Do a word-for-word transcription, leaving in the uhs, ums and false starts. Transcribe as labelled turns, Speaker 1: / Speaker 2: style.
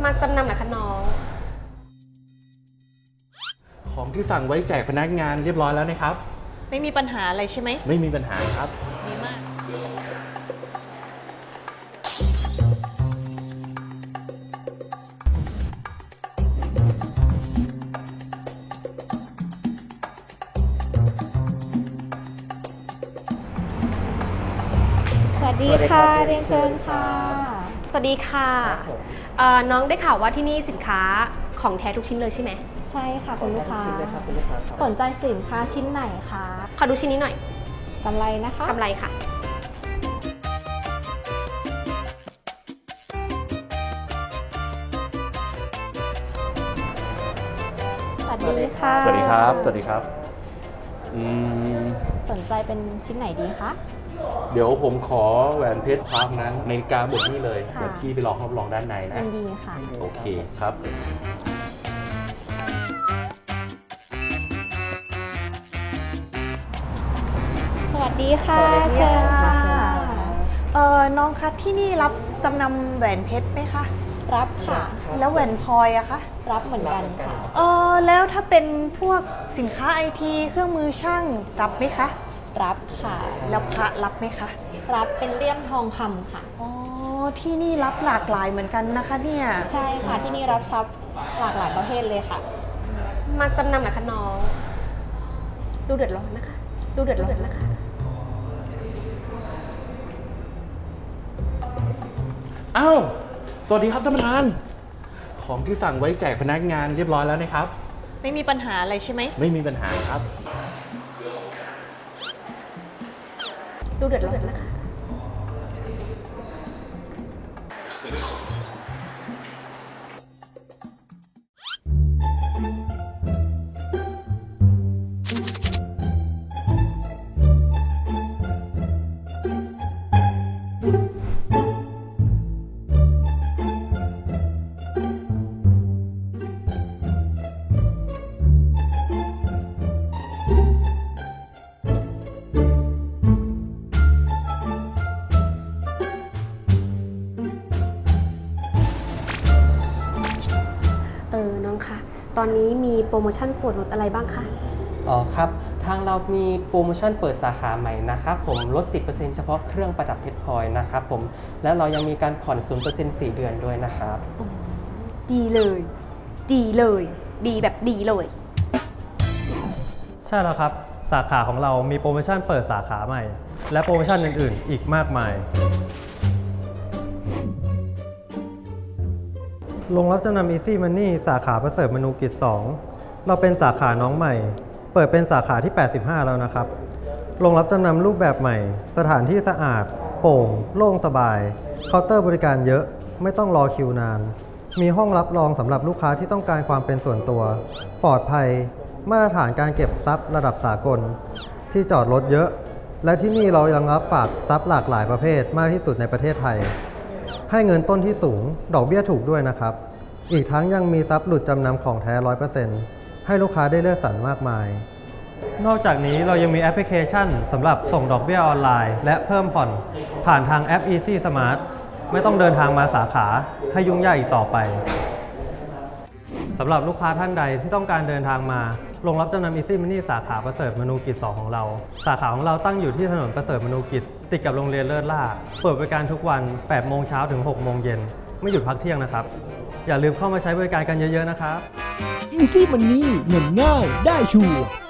Speaker 1: มาจำนำเหรอคะน้อง
Speaker 2: ของที่สั่งไว้แจกพนักงานเรียบร้อยแล้วนะครับ
Speaker 3: ไม่มีปัญหาอะไรใช่ไหม
Speaker 2: ไม่มีปัญหาครับ
Speaker 3: ดีมาก
Speaker 4: สวัสดีค่ะเรียนเชิญค่ะ
Speaker 1: สวัสดีค่ะเอ่อน้องได้ข่าวว่าที่นี่สินค้าของแท้ทุกชิ้นเลยใช่ไหม
Speaker 4: ใช่ค่ะคุณลูกค้าสนใจสินค้าชิ้นไหนคะ
Speaker 1: ขอดูชิ้นนี้หน่อย
Speaker 4: กำไรนะคะ
Speaker 1: กำไรค่ะ
Speaker 4: สวัสดีค่ะ
Speaker 2: สวัสดีครับสวัสดีครับอืม
Speaker 4: สนใจเป็นชิ้นไหนดีคะ
Speaker 2: เดี๋ยวผมขอแหวนเพชรพาร์ทนั้นในกาบทนี้เลยเดี๋ยวพี่ไปรอรับรองด้านในนะ
Speaker 4: ยินดีค่ะ
Speaker 2: โอเคครับ
Speaker 4: สวัสดีค่ะเชิญค่ะ
Speaker 3: เออน้องคะที่นี่รับจำนำแหวนเพชรไหมคะ
Speaker 4: รับค่ะ
Speaker 3: แล้วแหวนพลอยอะคะ
Speaker 4: รับเหมือนกันค่ะ
Speaker 3: เออแล้วถ้าเป็นพวกสินค้าไอทีเครื่องมือช่างรับไหมคะ
Speaker 4: รับค่ะ
Speaker 3: แล้วพระรับไหมคะ
Speaker 4: รับเป็นเลี่ยมทองคำค่ะ
Speaker 3: อ๋อที่นี่รับหลากหลายเหมือนกันนะคะเนี่ย
Speaker 4: ใช่ค่ะที่นี่รับทรัพย์หลากหลายประเภทเลยค่ะ
Speaker 1: มาจำนำเหรอคะน้องดูเดือดร้อนนะคะดูเดือดร้อนนะคะ
Speaker 2: อ้าวสวัสดีครับท่านประธานของที่สั่งไว้แจกพนักงานเรียบร้อยแล้วนะครับ
Speaker 3: ไม่มีปัญหาอะไรใช่ไหม
Speaker 2: ไม่มีปัญหาครับ
Speaker 1: ดูเดือดร้อนนะคะเออน้องคะตอนนี้มีโปรโมชั่นส่วนลดอะไรบ้างคะ
Speaker 5: อ๋อครับทางเรามีโปรโมชั่นเปิดสาขาใหม่นะครับผมลด สิบเปอร์เซ็นต์ เฉพาะเครื่องประดับเพชรพลอยนะครับผมแล้วเรายังมีการผ่อน ศูนย์เปอร์เซ็นต์ สี่เดือนด้วยนะครับ
Speaker 1: ดีเลยดีเลยดีแบบดีเลย
Speaker 6: ใช่แล้วครับสาขาของเรามีโปรโมชั่นเปิดสาขาใหม่และโปรโมชั่นอื่นๆอีกมากมายโรงรับจำนำ Easy Money สาขาประเสริฐมนูกิจ สองเราเป็นสาขาน้องใหม่เปิดเป็นสาขาที่ แปดสิบห้า แล้วนะครับโรงรับจำนำรูปแบบใหม่สถานที่สะอาดโปร่งโล่งสบายเคาน์เตอร์บริการเยอะไม่ต้องรอคิวนานมีห้องรับรองสำหรับลูกค้าที่ต้องการความเป็นส่วนตัวปลอดภัยมาตรฐานการเก็บทรัพย์ระดับสากลที่จอดรถเยอะและที่นี่เรายังรับฝากทรัพย์หลากหลายประเภทมากที่สุดในประเทศไทยให้เงินต้นที่สูงดอกเบี้ยถูกด้วยนะครับอีกทั้งยังมีทรัพย์หลุดจำนำของแท้ ร้อยเปอร์เซ็นต์ ให้ลูกค้าได้เลือกสรรมากมายนอกจากนี้เรายังมีแอปพลิเคชันสำหรับส่งดอกเบี้ยออนไลน์และเพิ่มผ่อนผ่านทางแอป Easy Smart ไม่ต้องเดินทางมาสาขาให้ยุ่งยากอีกต่อไปสำหรับลูกค้าท่านใดที่ต้องการเดินทางมาโรงรับจำนำ Easy Money สาขาประเสริฐมนูกิจ สอง ของเราสาขาของเราตั้งอยู่ที่ถนนประเสริฐมนูกิจติดกับโรงเรียนเลิศล่าเปิดบริการทุกวัน แปดโมงเช้าถึง หกโมงเย็นไม่หยุดพักเที่ยงนะครับอย่าลืมเข้ามาใช้บริการกันเยอะๆนะครับ
Speaker 7: Easy Money เงินง่ายได้ชัวร์